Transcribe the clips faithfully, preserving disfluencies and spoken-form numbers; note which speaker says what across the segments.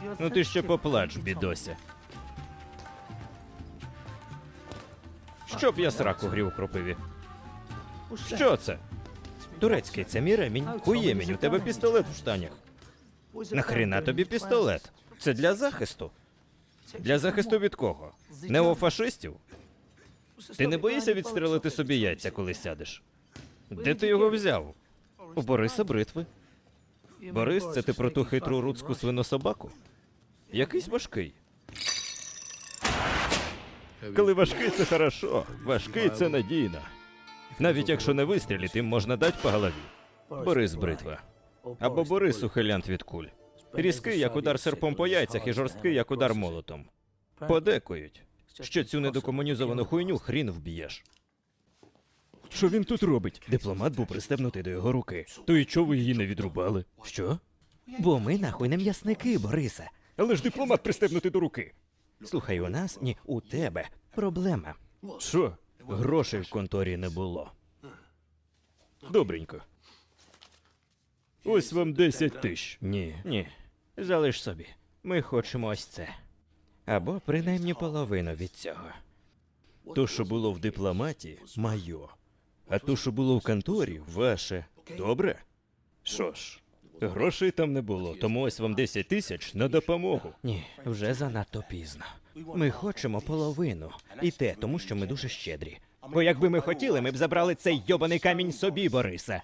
Speaker 1: Ну ти ще поплач, бідося. Щоб я сраку грів у кропиві. Що це? Турецький, це мій ремінь. Хуємінь, у тебе пістолет в штанях. Нахріна тобі пістолет? Це для захисту. Для захисту від кого? Неофашистів? Ти не боїшся відстрелити собі яйця, коли сядеш? Де ти його взяв? У Бориса бритви. Борис, це ти про ту хитру руцьку свинособаку? Якийсь важкий. Коли важкий, це хорошо. Важкий, це надійно. Навіть якщо не вистрілити, їм можна дати по голові. Борис бритва. Або Борис ухилянт від куль. Різкий, як удар серпом по яйцях, і жорсткий, як удар молотом. Подекують, що цю недокомунізовану хуйню хрін вб'єш. Що він тут робить? Дипломат був пристебнутий до його руки. То і чого ви її не відрубали? Що? Бо ми нахуй не м'ясники, Борисе. Але ж дипломат пристебнутий до руки. Слухай, у нас, ні, у тебе проблема. Що? Грошей в конторі не було. Добренько. Ось вам десять тисяч. Ні, ні. Залиш собі. Ми хочемо ось це. Або принаймні половину від цього. То, що було в дипломаті, майо. А то, що було в конторі, ваше. Добре? Що ж, грошей там не було, тому ось вам десять тисяч на допомогу. Ні, вже занадто пізно. Ми хочемо половину. І те, тому що ми дуже щедрі. Бо якби ми хотіли, ми б забрали цей йобаний камінь собі, Борисе.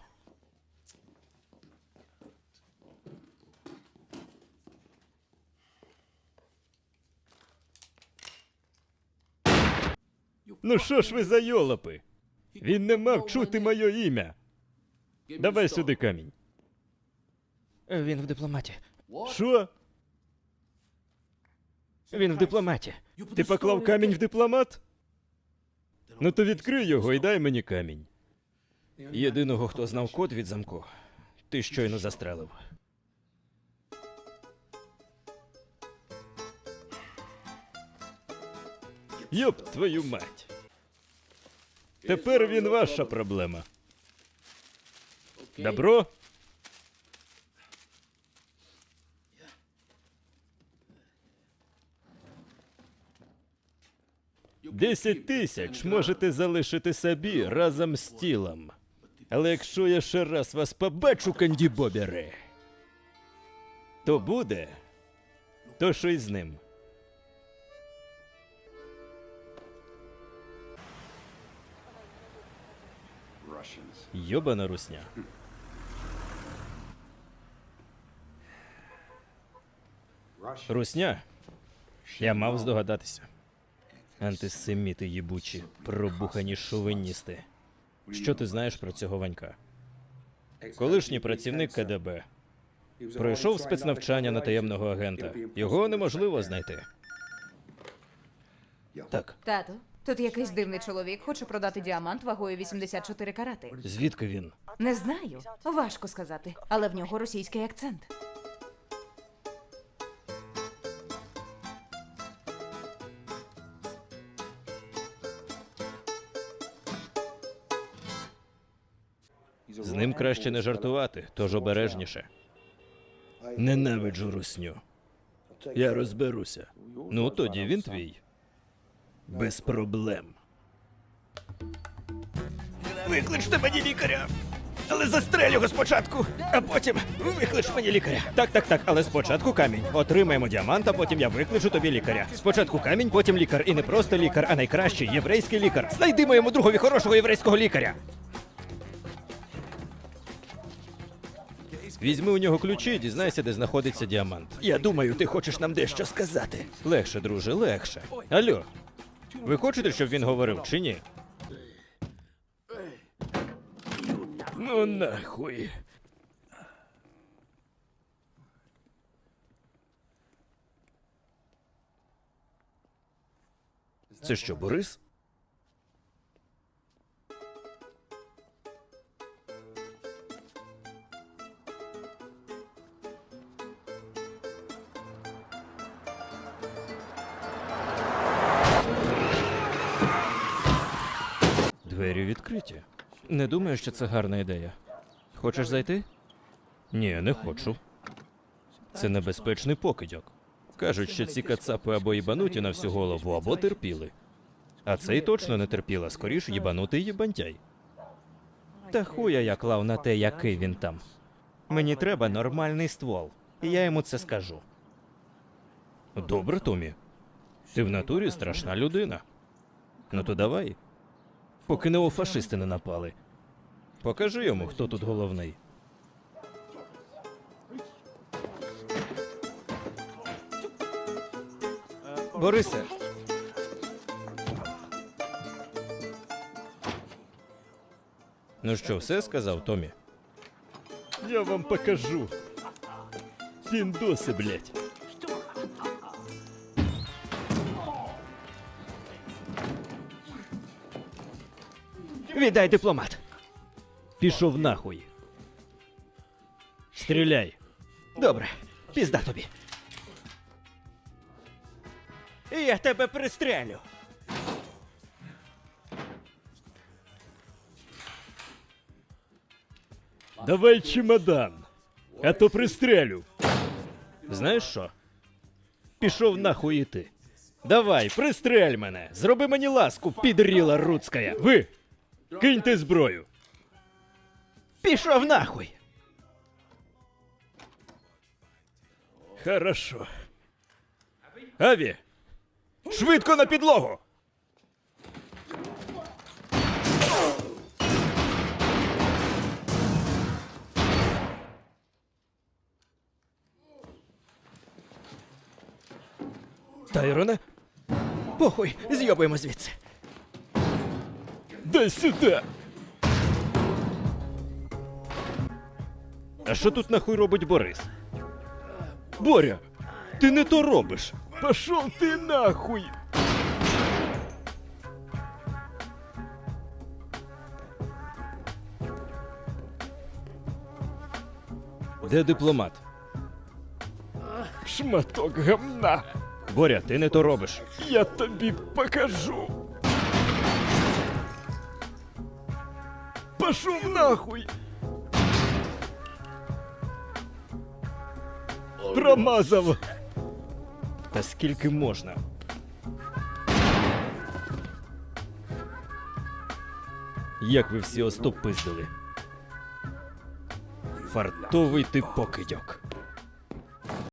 Speaker 1: Ну що ж ви за йолопи? Він не мав чути моє ім'я. Давай сюди камінь. Він в дипломаті. Що? Він в дипломаті. Ти поклав камінь в дипломат? Ну то відкрий його і дай мені камінь. Єдиного, хто знав код від замку, ти щойно застрелив. Йоп твою мать. Тепер він ваша проблема. Добро? Десять тисяч можете залишити собі разом з тілом. Але якщо я ще раз вас побачу, кандібобери, то буде, то що й з ним. Йобана русня. Русня? Я мав здогадатися. Антисеміти їбучі, пробухані шовіністи. Що ти знаєш про цього Ванька? Колишній працівник ка де бе. Пройшов спецнавчання на таємного агента. Його неможливо знайти. Так.
Speaker 2: Тато, тут якийсь дивний чоловік хоче продати діамант вагою вісімдесят чотири карати.
Speaker 1: Звідки він?
Speaker 2: Не знаю, важко сказати, але в нього російський акцент.
Speaker 1: З ним краще не жартувати, тож обережніше. Ненавиджу русню. Я розберуся. Ну, тоді він твій. Без проблем. Викличте мені лікаря! Але застрелю його спочатку, а потім виклич мені лікаря. Так, так, так, але спочатку камінь. Отримаємо діамант, а потім я викличу тобі лікаря. Спочатку камінь, потім лікар. І не просто лікар, а найкращий єврейський лікар. Знайди моєму другові хорошого єврейського лікаря. Візьми у нього ключі і дізнайся, де знаходиться діамант. Я думаю, ти хочеш нам дещо сказати. Легше, друже, легше. Алло, ви хочете, щоб він говорив, чи ні? Ну нахуй. Це що, Борис? Двері відкриті. Не думаю, що це гарна ідея. Хочеш зайти? Ні, не хочу. Це небезпечний покидьок. Кажуть, що ці кацапи або їбануті на всю голову, або терпіли. А цей точно не терпіла, скоріш їбанутий їбантяй. Та хуя я клав на те, який він там. Мені треба нормальний ствол, і я йому це скажу. Добре, Томі. Ти в натурі страшна людина. Ну то давай. Поки неофашисти не напали. Покажи йому, хто тут головний. Борисе. Ну що, все сказав, Томі? Я вам покажу. Піндоси, блять. Віддай дипломат. Пішов нахуй. Стріляй. Добре, пізда тобі. І я тебе пристрелю. Давай чемодан, а то пристрелю. Знаєш що? Пішов нахуй і ти. Давай, пристрель мене. Зроби мені ласку, підріла руцкая. Ви! Киньте зброю. Пішов нахуй. Хорошо. Аві, швидко на підлогу. Тайроне? Похуй, з'йобуємо звідси. Дай сюди. А що тут нахуй робить Борис? Боря, ти не то робиш. Пошов ти нахуй. Де дипломат? Шматок гамна. Боря, ти не то робиш. Я тобі покажу. Пошов нахуй. Промазав. Та скільки можна? Як ви всі остопиздили? Фартовий ти покидьок.